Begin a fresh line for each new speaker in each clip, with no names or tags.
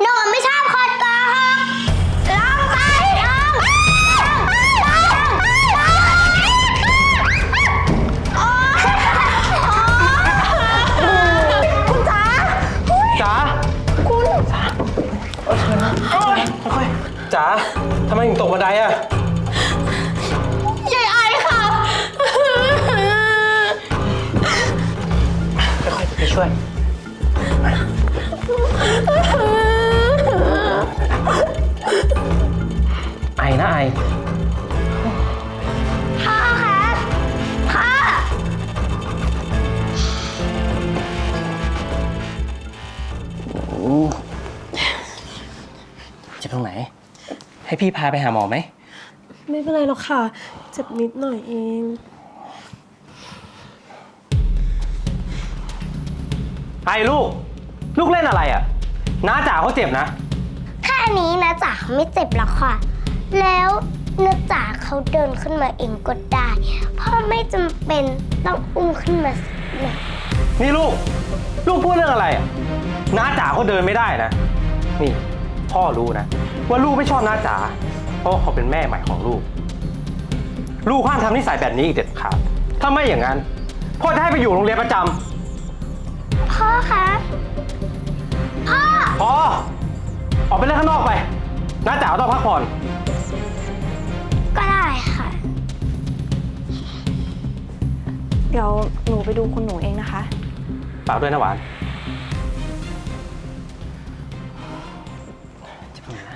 หนูไม่ชอบคนโกหกลองไปลองคุณจ๋า
จ๋า
คุณ
ค่อยๆจ๋าทำไมถึงตกบันไดอะ
ยายไอค่ะ
ค่อยๆไปช่วยไอนะไอ
พ่อครับพ่อ
เจ็บตรงไหน ให้พี่พาไปหาหมอไหม
ไม่เป็นไรหรอกค่ะ เจ็บนิดหน่อยเอง
ไอลูกเล่นอะไรอ่ะน้าจ๋าเขาเจ็บนะ
แค่นี้นะจ๋าเขาไม่เจ็บหรอกค่ะ แล้วนะจ๋าเขาเดินขึ้นมาเองก็ได้พ่อไม่จำเป็นต้องอุ้มขึ้นมาสักหน่อย
นี่ลูกพูดเรื่องอะไรอ่ะน้าจ๋าเขาเดินไม่ได้นะ นี่พ่อรู้นะ ว่าลูกไม่ชอบน้าจ๋าเพราะเขาเป็นแม่ใหม่ของลูกห้ามทำนิสัยแบบนี้อีกเด็ดขาดถ้าไม่อย่างนั้นพ่อจะให้ไปอยู่โรงเรียนประจำ
พ่อคะพ่อ
พอออกไปเล่นข้างนอกไปน้าจ๋าต้องพักผ่อน
ก็ได้ค่ะ
เดี๋ยวหนูไปดูคุณหนูเองนะคะ
ฝากด้วยนะหวานจะไปไหนนะ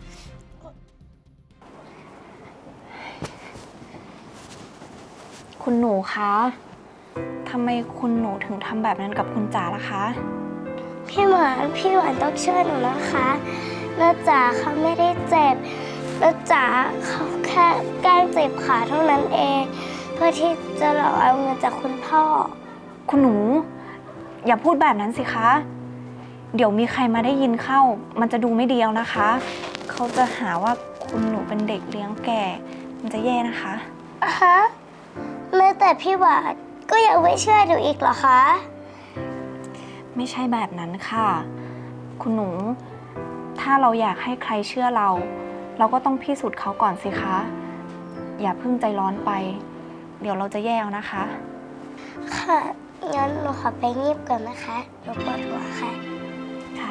คุณหนูคะทำไมคุณหนูถึงทำแบบนั้นกับคุณจ๋าล่ะคะ
พี่หวานต้องช่วยหนูนะคะนะจ๋าเขาไม่ได้เจ็บนะจ๋าเขาแค่แกล้งเจ็บขาเท่านั้นเอง เพื่อที่จะหลอกเอาเงินจากคุณพ่อ
คุณหนู อย่าพูดแบบนั้นสิคะ เดี๋ยวมีใครมาได้ยินเข้า มันจะดูไม่ดีแล้วนะคะ เขาจะหาว่าคุณหนูเป็นเด็กเลี้ยงแก่ มันจะแย่นะคะ
ฮะแม้แต่พี่หวานก็ยังไม่เชื่อหนูอีกเหรอคะ
ไม่ใช่แบบนั้นค่ะ คุณหนู ถ้าเราอยากให้ใครเชื่อเรา เราก็ต้องพิสูจน์เขาก่อนสิคะ อย่าเพิ่งใจร้อนไป เดี๋ยวเราจะแย่เอานะคะ
ค่ะ งั้นหนูขอไปงีบก่อนนะคะหนูปวดหัวค่ะ
ค่ะ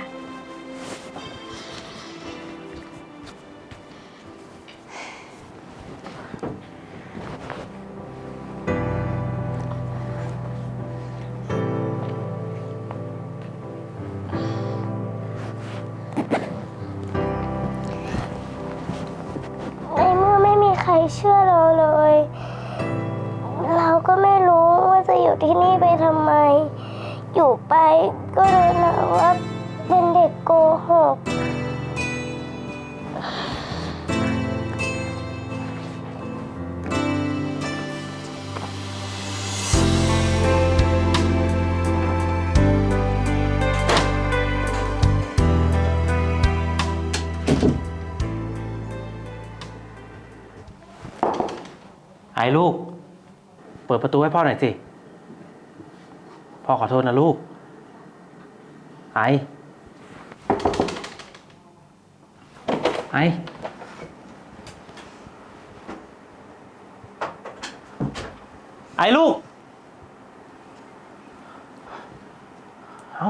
ในเมื่อไม่มีใครเชื่อเราเลย เราก็ไม่รู้ว่าจะอยู่ที่นี่ไปทำไม อยู่ไปก็โดนหาว่าเป็นเด็กโกหก
ไอ้ลูก เปิดประตูให้พ่อหน่อยสิ พ่อขอโทษนะลูก ไอ้ลูก เอ้า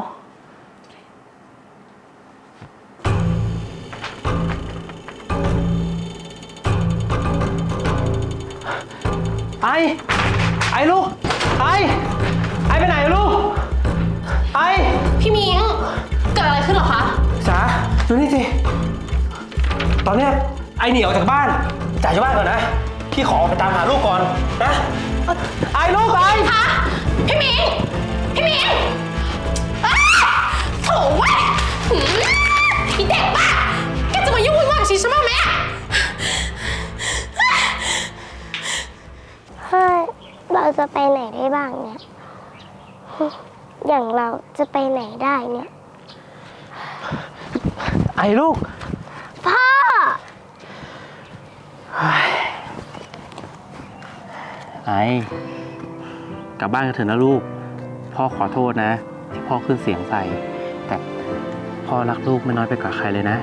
ไอ้ลูก ไอ้ไปไหนลูก
พี่มิงเกิดอะไรขึ้นเหรอคะ
จ๋าดูนี่สิ ตอนเนี้ยไอ้หนีออกจากบ้านจ่ายจากบ้านก่อนนะ พี่ขอไปตามหาลูกก่อนนะ ลูก
คะพี่มิงอ้าโถ่เว้ยหืมไอ้เด็กบ้าแกจะมายุ่งวุ่นวายกับชีฉันบ้างไหมอะ
เฮ้ย เราจะไปไหนได้บ้างเนี่ย อย่างเราจะไปไหนได้เนี่ย
ลูก
พ่อ
กลับบ้านกันเถอะนะลูก พ่อขอโทษนะ ที่พ่อขึ้นเสียงใส่ แต่พ่อพ่อรักลูกไม่น้อยไปกว่าใครเลยนะ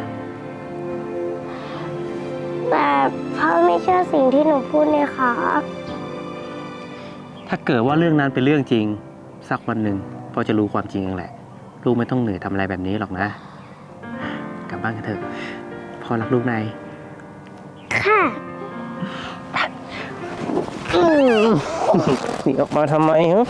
แต่พ่อไม่เชื่อสิ่งที่หนูพูดเลยค่ะ
ถ้าเกิดว่าเรื่องนั้นเป็นเรื่องจริง สักวันหนึ่งพ่อจะรู้ความจริงเองแหละ ลูกไม่ต้องเหนื่อยทำอะไรแบบนี้หรอกนะ กลับบ้านกันเถอะพ่อรักลูกนาย
ค่ะ
หนีออกมาทำไมฮะ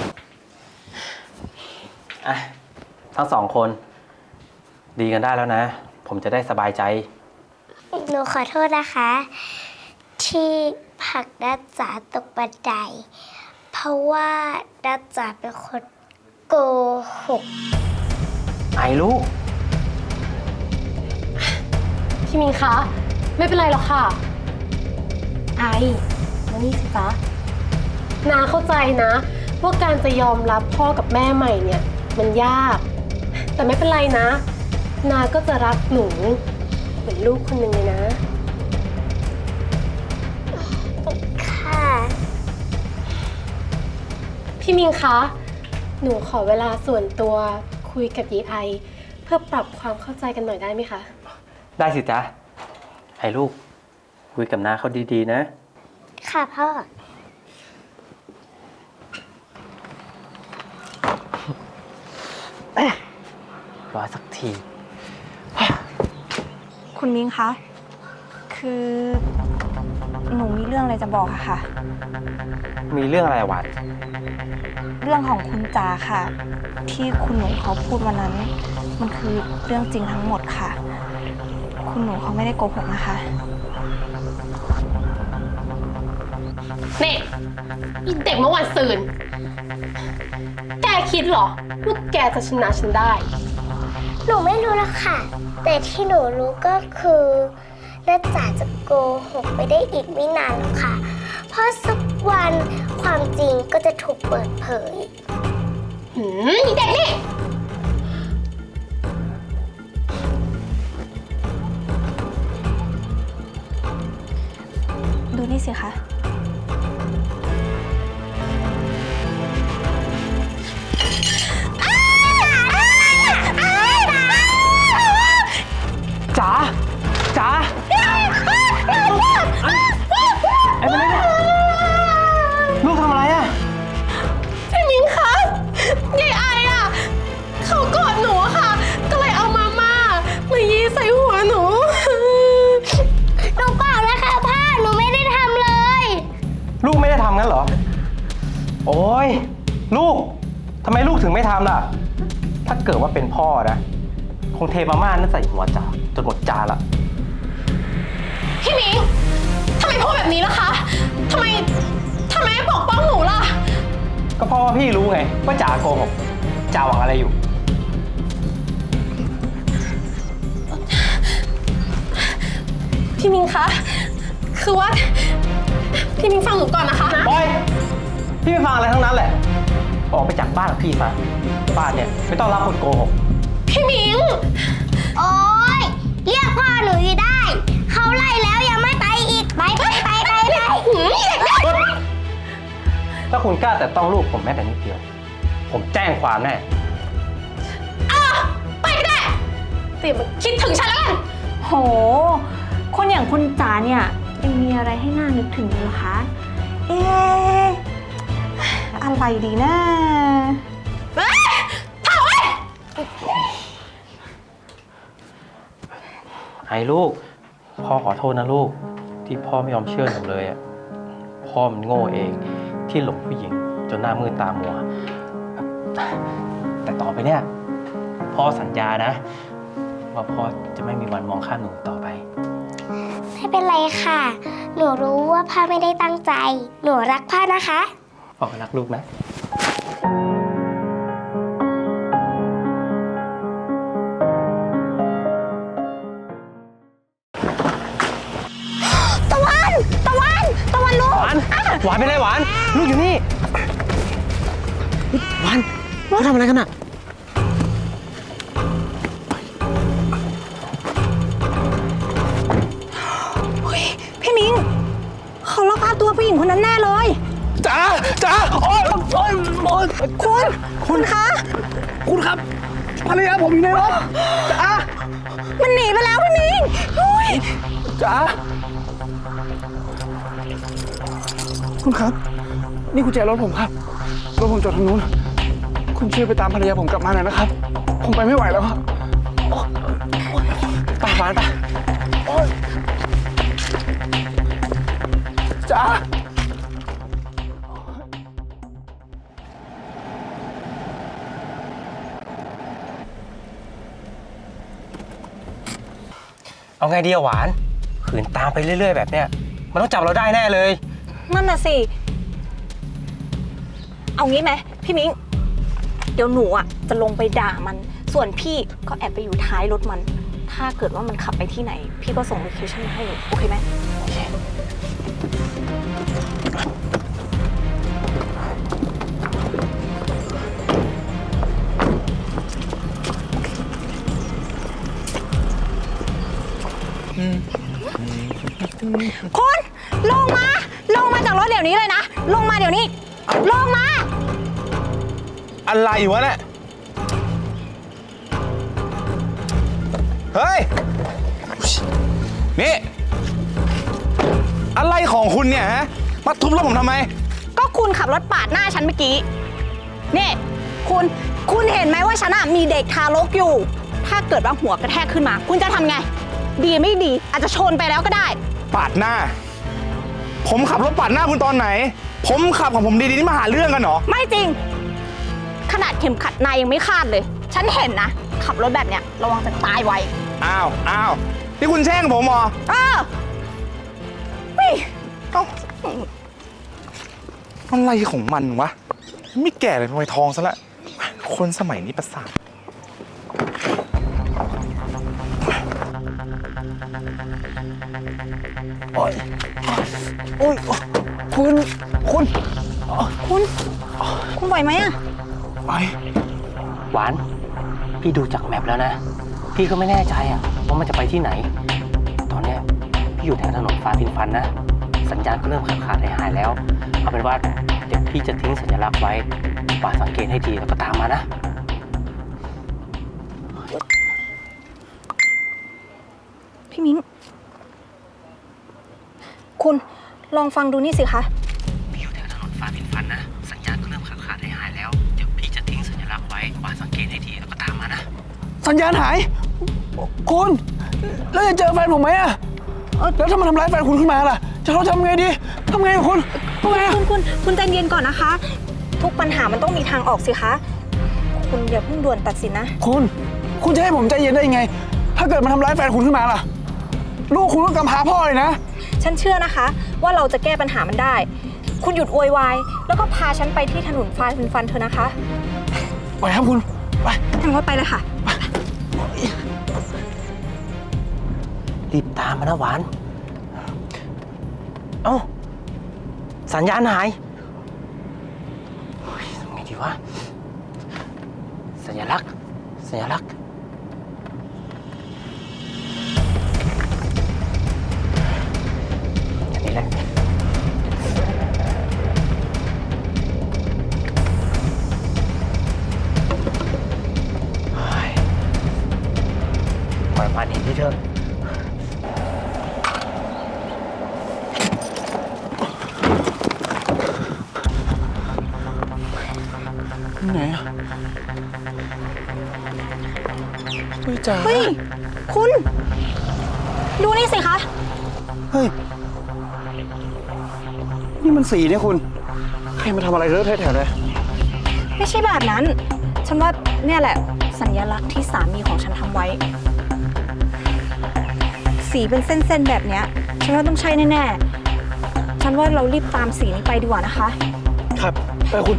อ่ะทั้งสองคน ดีกันได้แล้วนะ ผมจะได้สบายใจ
หนูขอโทษนะคะ ที่ผลักดัดจ๋าตกบันได เพราะว่าดัดจ๋าเป็นคนโกหก
ไอ้ลูก
พี่มิงคะ ไม่เป็นไรหรอกค่ะ ไอมานี่สิจ๊ะนาเข้าใจนะว่าการจะยอมรับพ่อกับแม่ใหม่เนี่ยมันยาก แต่ไม่เป็นไรนะ นาก็จะรักหนูเหมือนลูกคนหนึ่งเลยนะ
ค่ะ
พี่มิงคะ หนูขอเวลาส่วนตัวคุยกับยีไอเพื่อปรับความเข้าใจกันหน่อยได้ไหมคะ
ได้สิจ๊ะ ไอ้ลูก คุยกับน้าเขาดีๆนะ
ค่ะพ่อ
รอสักที
คุณมิ้งคะ คือหนูมีเรื่องอะไรจะบอกอะค่ะ
มีเรื่องอะไรหวาน
เรื่องของคุณจ๋าค่ะ ที่คุณหนูเขาพูดวันนั้น มันคือเรื่องจริงทั้งหมดค่ะ คุณหนูเขาไม่ได้โกหกนะคะ
นี่อีเด็กเมื่อวันซืน แกคิดเหรอว่าแกจะชนะฉันได้
หนูไม่รู้ละค่ะ แต่ที่หนูรู้ก็คือดัดจ๋าจะโกหกไปได้อีกไม่นานหรอกค่ะ เพราะสักวันความจริงก็จะถูกเปิดเผย
อีเด็กนี่
ดูนี่สิคะ
จ๋า จ๋า ไอ้เป็นไงเนี่ยลูกทำอะไรอ่ะ
พี่มิ้งคะยายไออ่ะ เขากอดหนูอะค่ะ ก็เลยเอามายีใส่หัวหนู
หนูเปล่านะคะพ่อ หนูไม่ได้ทำเลย
ลูกไม่ได้ทำงั้นเหรอ โอ้ย ลูก ทำไมลูกถึงไม่ทำล่ะ ถ้าเกิดว่าเป็นพ่อนะ คงเทมาม่านั่นใส่หัวจ๋าจนหมดจานละ
พี่มิ้งทำไมพูดแบบนี้ล่ะคะทำไมไม่ปกป้องหนูล่ะ
ก็เพราะว่าพี่รู้ไงว่าจ๋าโกหกจ๋าหวังอะไรอยู่
พี่มิ้งคะ คือว่า พี่มิ้งฟังหนูก่อนนะคะ
บอย พี่ไม่ฟังอะไรทั้งนั้นแหละ ออกไปจากบ้านกับพี่ซะบ้านเนี่ยไม่ต้องรับคนโกหก
พี่มิ้ง
โอ๊ย เรียกพ่อหนูอยู่ได้ เขาไล่แล้วยังไม่ไปอีก ไป
ถ้าคุณกล้าแต่ต้องลูกผมแม้แต่นิดเดียว ผมแจ้งความแน่
ไปก็ได้แต่มาคิดถึงฉันแล้วกัน
โห คนอย่างคุณจ๋าเนี่ยยังมีอะไรให้น่านึกถึงอยู่เหรอคะ เอ๊ะอะไรดีนะ
เฮ้ยเถ่าเว้ย
ไอ้ลูก พ่อขอโทษนะลูก ที่พ่อไม่ยอมเชื่อหนูเลยอ่ะ พ่อมันโง่เองที่หลงผู้หญิงจนหน้ามืดตามัว แต่ต่อไปเนี่ยพ่อสัญญานะ ว่าพ่อจะไม่มีวันมองข้ามหนูต่อไป
ไม่เป็นไรค่ะ หนูรู้ว่าพ่อไม่ได้ตั้งใจ หนูรักพ่อนะคะ
พ่อก็รักลูกนะ
ตะวันลูก
หวาน หวานเป็นไรหวาน ลูกอยู่นี่ หวานเขาทำอะไรกันอ่ะ
พี่มิ้งเขาลักพาตัวผู้หญิงคนนั้นแน่เลย
จ๋า จ๋า โอ๊ยโอ๊ยโอ๊ย
คุณคะ
คุณครับ ภรรยาผมอยู่ในรถ จ๋า
มันหนีไปแล้วพี่มิง
จ๋าคุณครับ นี่กุญแจรถผมครับรถผมจอดทางนู้นคุณช่วยไปตามภรรยาผมกลับมาหน่อยนะครับ ผมไปไม่ไหวแล้วครับไปหวานไปโอ๊ยจ๋า
เอาไงดีอะหวาน ขืนตามไปเรื่อยๆแบบเนี้ยมันต้องจับเราได้แน่เลย
นั่นน่ะสิ เอางี้ไหมพี่มิง เดี๋ยวหนูอ่ะจะลงไปด่ามัน ส่วนพี่ก็แอบไปอยู่ท้ายรถมัน ถ้าเกิดว่ามันขับไปที่ไหน พี่ก็ส่งโลเคชั่นมาให้หนูโอเคไหม คุณลงมาจากรถเดี๋ยวนี้เลยนะ ลงมาเดี๋ยวนี้ ลงมา
อะไรวะเนี่ยเฮ้ยนี่อะไรของคุณเนี่ยฮะมาทุบรถผมทำไม
ก็คุณขับรถปาดหน้าฉันเมื่อกี้ นี่คุณเห็นไหมว่าฉันมีเด็กทารกอยู่ ถ้าเกิดว่าหัวกระแทกขึ้นมา คุณจะทำไง ดีไม่ดี อาจจะชนไปแล้วก็ได้
ปาดหน้า ผมขับรถปาดหน้าคุณตอนไหน ผมขับของผมดีๆนี่มาหาเรื่องกันเหรอ
ไม่จริง ขนาดเข็มขัดนายยังไม่คาดเลย ฉันเห็นนะ ขับรถแบบเนี้ยระวังจะตายไว
อ้าวนี่คุณแช่งผมเหรอ
นี่
เอ้าอะไรของมันวะ ไม่แก่เลยทำไมทองซะละ คนสมัยนี้ประสาทโอ้ย
คุณไหวไหมอะ
ไป
หวาน พี่ดูจากแมปแล้วนะ พี่ก็ไม่แน่ใจอะว่ามันจะไปที่ไหน ตอนเนี้ยพี่อยู่แถวถนนฟ้าดินฟันนะ สัญญาณก็เริ่มขาดหายแล้ว เอาเป็นว่าเดี๋ยวพี่จะทิ้งสัญลักษณ์ไว้หวานสังเกตให้ดีแล้วก็ตามมานะ
พี่มิ้ง คุณลองฟังดูนี่สิคะ
พี่อยู่แถวถนนฟ้าดินฟันนะ สัญญาณก็เริ่มขาดหายแล้ว เดี๋ยวพี่จะทิ้งสัญลักษณ์ไว้หวานสังเกตให้ดีแล้วก็ตามมานะ
สัญญาณหาย คุณ แล้วจะเจอแฟนผมไหมอะแล้วถ้ามันทำร้ายแฟนคุณขึ้นมาล่ะ จะเราทำไงดีทำไงกับคุณทำไงอะ
คุณใจเย็นก่อนนะคะ ทุกปัญหามันต้องมีทางออกสิคะ คุณอย่าเพิ่งด่วนตัดสินนะ
คุณจะให้ผมใจเย็นได้ยังไง ถ้าเกิดมันทำร้ายแฟนคุณขึ้นมาล่ะ ลูกคุณก็กำพร้าพ่อเลยนะ
ฉันเชื่อนะคะว่าเราจะแก้ปัญหามันได้ คุณหยุดโวยวายแล้วก็พาฉันไปที่ถนนฟ้าดินฟันเถอะนะคะ
ไปครับคุณ ไป
ทางรถไปเลยค่ะ
รีบตามมานะหวาน เอ้า สัญญาณหายเฮ้ยทำไงดีวะ สัญลักษณ์อย่างนี้แหละเฮ้ยปล่อยมันเห็นที่เธอ
ไหนอะเฮ้ยจ๋า
เฮ้ย คุณ ดูนี่สิคะ
เฮ้ย นี่มันสีเนี่ยคุณ ใครมาทำอะไรเลอะเทอะแถวเลย
ไม่ใช่แบบนั้น ฉันว่าเนี่ยแหละสัญลักษณ์ที่สามีของฉันทำไว้ สีเป็นเส้นๆแบบเนี้ย ฉันว่าต้องใช่แน่ๆ ฉันว่าเรารีบตามสีนี้ไปดีกว่านะคะ
ครับ ไปคุณ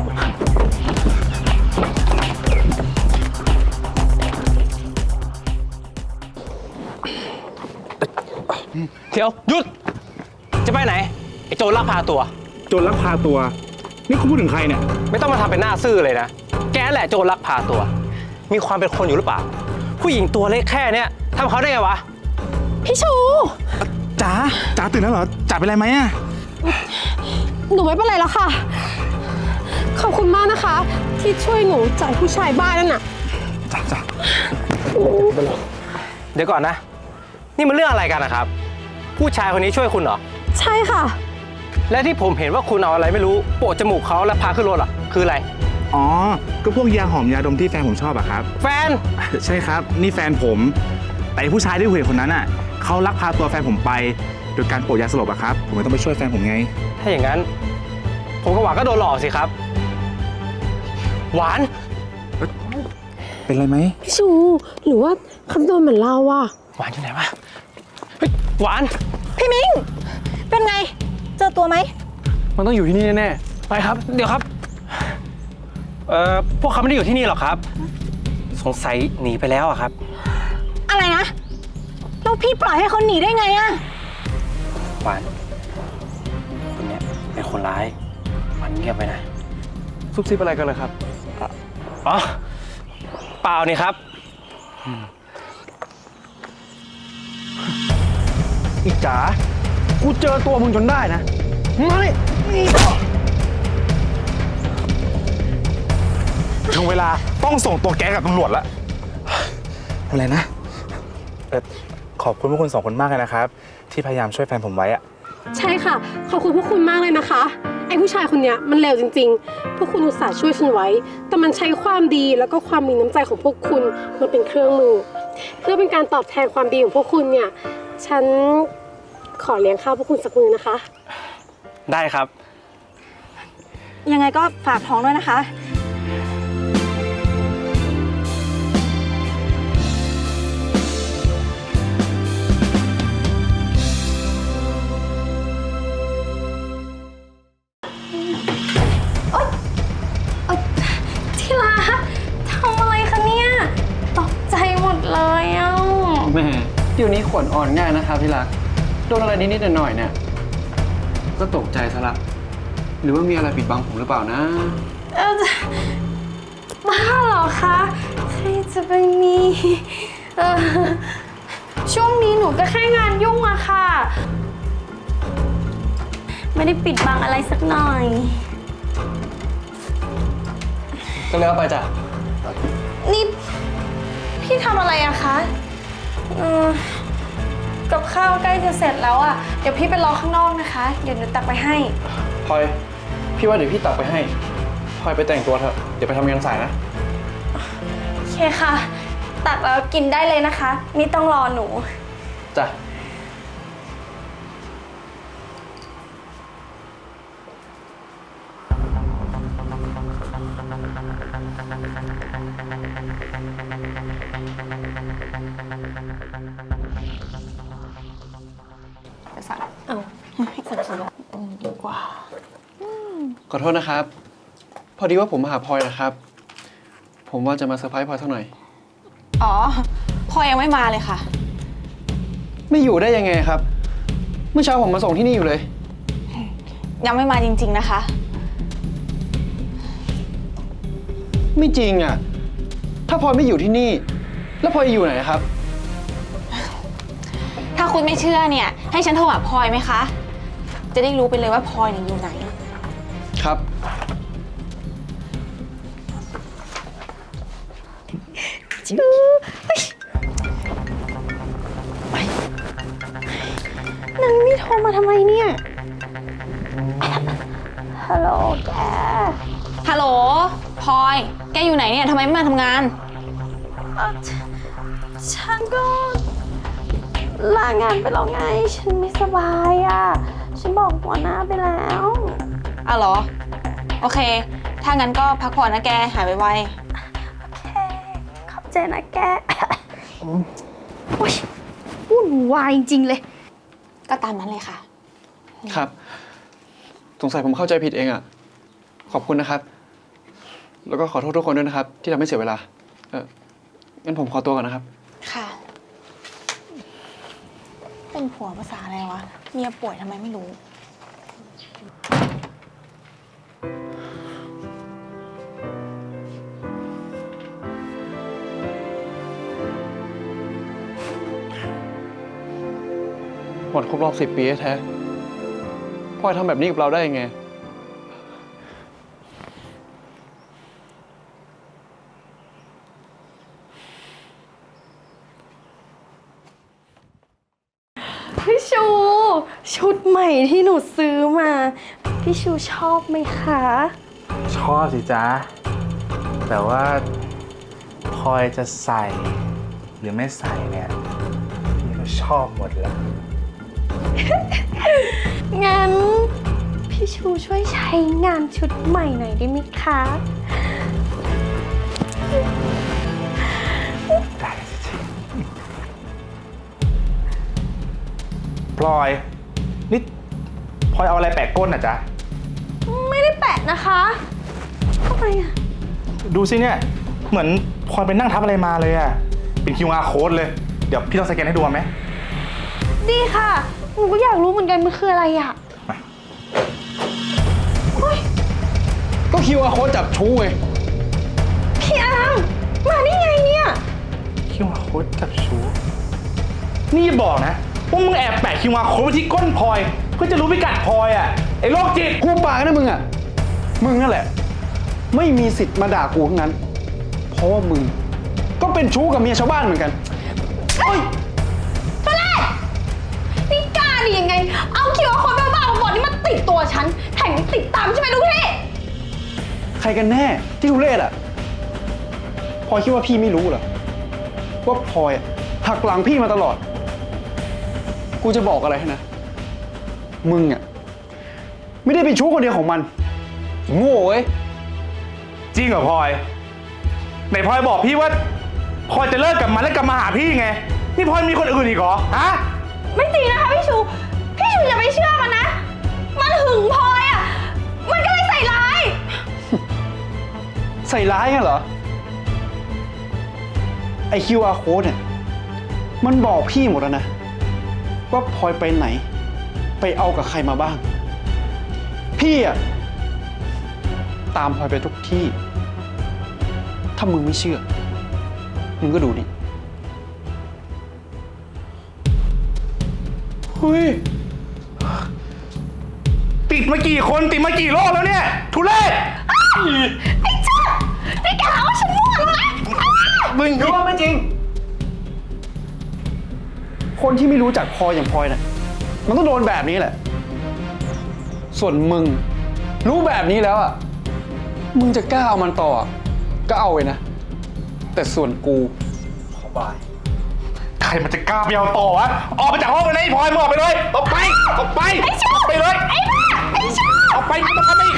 เดี๋ยวหยุด จะไปไหน ไอ้โจรลักพาตัว
โจรลักพาตัว นี่คุณพูดถึงใครเนี่ย
ไม่ต้องมาทำเป็นหน้าซื่อเลยนะ แกแหละโจรลักพาตัว มีความเป็นคนอยู่หรือเปล่า ผู้หญิงตัวเล็กแค่เนี้ยทำเขาได้ไงวะ
พี่ชู
จ๋าตื่นแล้วเหรอ จ๋าเป็นไรไหมอะ
หนูไม่เป็นไรแล้วค่ะ ขอบคุณมากนะคะ ที่ช่วยหนูจากผู้ชายบ้านั่นน่ะ
จ๋า
เดี๋ยวก่อนนะ นี่มันเรื่องอะไรกันนะครับ ผู้ชายคนนี้ช่วยคุณเหรอ
ใช่ค่ะ
และที่ผมเห็นว่าคุณเอาอะไรไม่รู้โปะจมูกเขาแล้วพาขึ้นรถอ่ะคืออะไร
อ๋อ ก็พวกยาหอมยาดมที่แฟนผมชอบอะครับ
แฟน
ใช่ครับ นี่แฟนผม แต่ผู้ชายที่คุยกับคนนั้นอะเขาลักพาตัวแฟนผมไป โดยการโปะยาสลบอะครับ ผมเลยต้องไปช่วยแฟนผมไง
ถ้าอย่างนั้น ผมกับหวานก็โดนหลอกสิครับ หวาน
เป็นไรไหม
พี่ชู หรือว่าคำโดนเหมือนเราอะ
หวานอยู่ไหนวะ เฮ้ย หวาน
พี่มิง เป็นไง เจอตัวไหม
มันต้องอยู่ที่นี่แน่ๆ ไปครับ
เดี๋ยวครับ พวกเขาไม่ได้อยู่ที่นี่หรอกครับ สงสัยหนีไปแล้วอะครับ
อะไรนะ แล้วพี่ปล่อยให้เขาหนีได้ไงอะ
หวาน คนเนี้ยเป็นคนร้ายหวานเงียบไปนะ
ซุบซิบอะไรกันเลยครับ
อ๋อ เปล่านี่ครับ
อีจ๋า กูเจอตัวมึงจนได้นะมาเลย
ถึงเวลาต้องส่งตัวแกกับตำรวจแล้วอะไรนะ ขอบคุณพวกคุณสองคนมากเลยนะครับ ที่พยายามช่วยแฟนผมไว้อะ
ใช่ค่ะ ขอบคุณพวกคุณมากเลยนะคะ ไอ้ผู้ชายคนเนี้ยมันเลวจริงๆ พวกคุณอุตส่าห์ช่วยฉันไว้ แต่มันใช้ความดีแล้วก็ความมีน้ำใจของพวกคุณมาเป็นเครื่องมือ เพื่อเป็นการตอบแทนความดีของพวกคุณเนี่ย ฉันขอเลี้ยงข้าวพวกคุณสักมื้อนะคะ
ได้ครับ
ยังไงก็ฝากท้องด้วยนะคะ
ที่รักทำอะไรคะเนี่ย ตกใจหมดเลยอ่ะ
แม่เดี๋ยวนี้ขวัญอ่อนง่ายนะครับที่รัก โดนอะไรนิดๆหน่อยๆเนี่ย ก็ตกใจซะละ หรือว่ามีอะไรปิดบังผมหรือเปล่านะ
บ้าเหรอคะ ใครจะไปมีเออช่วงนี้หนูก็แค่งานยุ่งอะค่ะ ไม่ได้ปิดบังอะไรสักหน่อย
ก็แล้วไปจ้ะ
นี่พี่ทำอะไรอะคะกับข้าวใกล้จะเสร็จแล้วอะเดี๋ยวพี่ไปรอข้างนอกนะคะ เดี๋ยวหนูตักไปให้
พลอย พี่ว่าเดี๋ยวพี่ตักไปให้ พลอยไปแต่งตัวเถอะ เดี๋ยวไปทำงานสายนะ
โอเคค่ะ ตักแล้วกินได้เลยนะคะ ไม่ต้องรอหนู
จ้ะ ขอโทษนะครับ พอดีว่าผมมาหาพลอยนะครับ ผมว่าจะมาเซอร์ไพรส์พลอยสักหน่อย
อ๋อ พอยังไม่มาเลยค่ะ
ไม่อยู่ได้ยังไงครับ เมื่อเช้าผมมาส่งที่นี่อยู่เลย
ยังไม่มาจริง ๆนะคะ
ไม่จริงอ่ะ ถ้าพลอยไม่อยู่ที่นี่ แล้วพลอยอยู่ไหนครับ
ถ้าคุณไม่เชื่อเนี่ย ให้ฉันโทรหาพลอยไหมคะ จะได้รู้ไปเลยว่าพลอยเนี่ยอยู่ไหน
ครับ
นางนี่โทรมาทำไมเนี่ย ฮัลโหลแก
ฮัลโหล พลอย แกอยู่ไหนเนี่ยทำไมไม่มาทำงาน
ฉันก็ลางานไปแล้วไง ฉันไม่สบายอ่ะ ฉันบอกหัวหน้าไปแล้ว
อ่ะเหรอ โอเค ถ้างั้นก็พักผ่อนนะแก หายไว
โอเค ขอบใจนะแก โอ๊ยวุ่นวายจริงๆเลย
ๆก็ตามนั้นเลยค่ะ
ครับ สงสัยผมเข้าใจผิดเองอ่ะ ขอบคุณนะครับ แล้วก็ขอโทษทุกคนด้วยนะครับ ที่ทำให้เสียเวลา งั้นผมขอตัวก่อนนะครับ
ค่ะ เป็นผัวภาษาอะไรวะ เมียป่วยทำไมไม่รู้
วันครบรอบ10 ปีแท้ๆพลอยทำแบบนี้กับเราได้ยังไง
พี่ชู ชุดใหม่ที่หนูซื้อมา พี่ชูชอบไหมคะ
ชอบสิจ๊ะ แต่ว่าพลอยจะใส่หรือไม่ใส่เนี่ยพี่ก็ชอบหมดแหละ
งั้น พี่ชูช่วยใช้งานชุดใหม่หน่อยได้ไหมคะ
ได้สิจ๊ะพลอย นี่พลอยเอาอะไรแปะก้นอ่ะจ๊ะ
ไม่ได้แปะนะคะทำไมอะ
ดูสิเนี่ย เหมือนพลอยไปนั่งทับอะไรมาเลยอ่ะ เป็น QR code เลย เดี๋ยวพี่ต้องสแกนให้ดูไหม
ดีค่ะ หนูก็อยากรู้เหมือนกันมันคืออะไรอะ
ก็คิวอาร์โค้ดจับชู้ไง
พี่อาร์มมาได้ไงเนี่ย
QR code จับชู้นี่อย่าบอกนะว่ามึงแอบแปะ QR code ไว้ที่ก้นพลอย เพื่อจะรู้พิกัดพลอยอ่ะ ไอ้โรคจิต
กูปากนะมึงอ่ะ มึงนั่นแหละ ไม่มีสิทธิ์มาด่ากูทั้งนั้น เพราะว่ามึงก็เป็นชู้กับเมียชาวบ้านเหมือนกัน
นี่กล้าดียังไง เอาคิวอาร์โค้ดบ้าๆบอๆนี่มาติดตัวฉัน แถมยังติดตามใช่ไหมลูกพี่
ใครกันแน่ที่ทุเรศอ่ะพลอยคิดว่าพี่ไม่รู้เหรอ ว่าพลอยอะหักหลังพี่มาตลอด กูจะบอกอะไรให้นะ มึงอ่ะไม่ได้เป็นชู้คนเดียวของมัน โง่เว้ย
จริงเหรอพลอย ไหนพลอยบอกพี่ว่าพลอยจะเลิกกับมันแล้วกลับมาหาพี่ไง นี่พลอยมีคนอื่นอีกเหรอ ฮะ
ไม่จริงนะคะพี่ชู พี่ชูอย่าไปเชื่อมันนะ มันหึงพลอยอ่ะ มันก็เลยใส่ร้าย
ใส่ร้ายงั้นเหรอ ไอ QR code เนี่ย มันบอกพี่หมดแล้วนะ ว่าพลอยไปไหน ไปเอากับใครมาบ้าง พี่อะตามพลอยไปทุกที่ ถ้ามึงไม่เชื่อ มึงก็ดูดิเฮ้ย
ติดมากี่คนติดมากี่โลกแล้วเนี่ย ทุเรศ
ไอ้เจ้านี่แกหาว่าฉันมั่วเหรอนะ
มึงรู้ว่าไม่จริง คนที่ไม่รู้จักพลอยอย่างพลอยน่ะ มันต้องโดนแบบนี้แหละ ส่วนมึง รู้แบบนี้แล้วอ่ะ มึงจะกล้าเอามันต่ออะก็เอาไปนะ แต่ส่วนกูขอบาย
ใครมันจะกล้าไปเอาต่อวะ ออกไปจากห้องเลยนะไอ้พลอยมึงออกไปเลย ออกไป ออกไป
ไอ้ชู
ออกไปเลย
ไอ้บ้า ไอ้ชู
ออกไปไม่ต้องทำอีก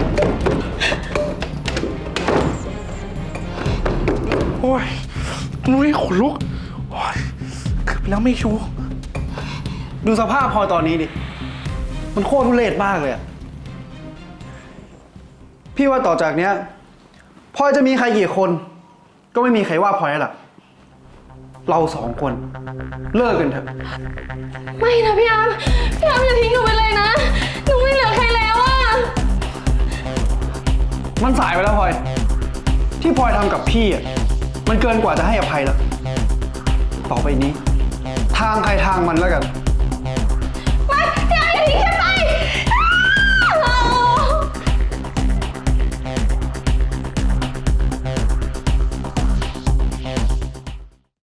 โอ้ยนุ้ยขนลุกโอ้ยเกือบไปแล้วไม่ชู
ดูสภาพพลอยตอนนี้ดิ มันโคตรทุเรศมากเลยอะพี่ว่าต่อจากเนี้ยพลอยจะมีใครกี่คน ก็ไม่มีใครว่าพลอยแล้วล่ะ เราสองคนเลิกกันเถอะ
ไม่นะพี่อาร์มพี่อาร์มอย่าทิ้งหนูไปเลยนะ หนูไม่เหลือใครแล้วอะ
มันสายไปแล้วพลอย ที่พลอยทำกับพี่อ่ะ มันเกินกว่าจะให้อภัยแล้ว ต่อไปนี้ ทางใครทางมันแล้วกัน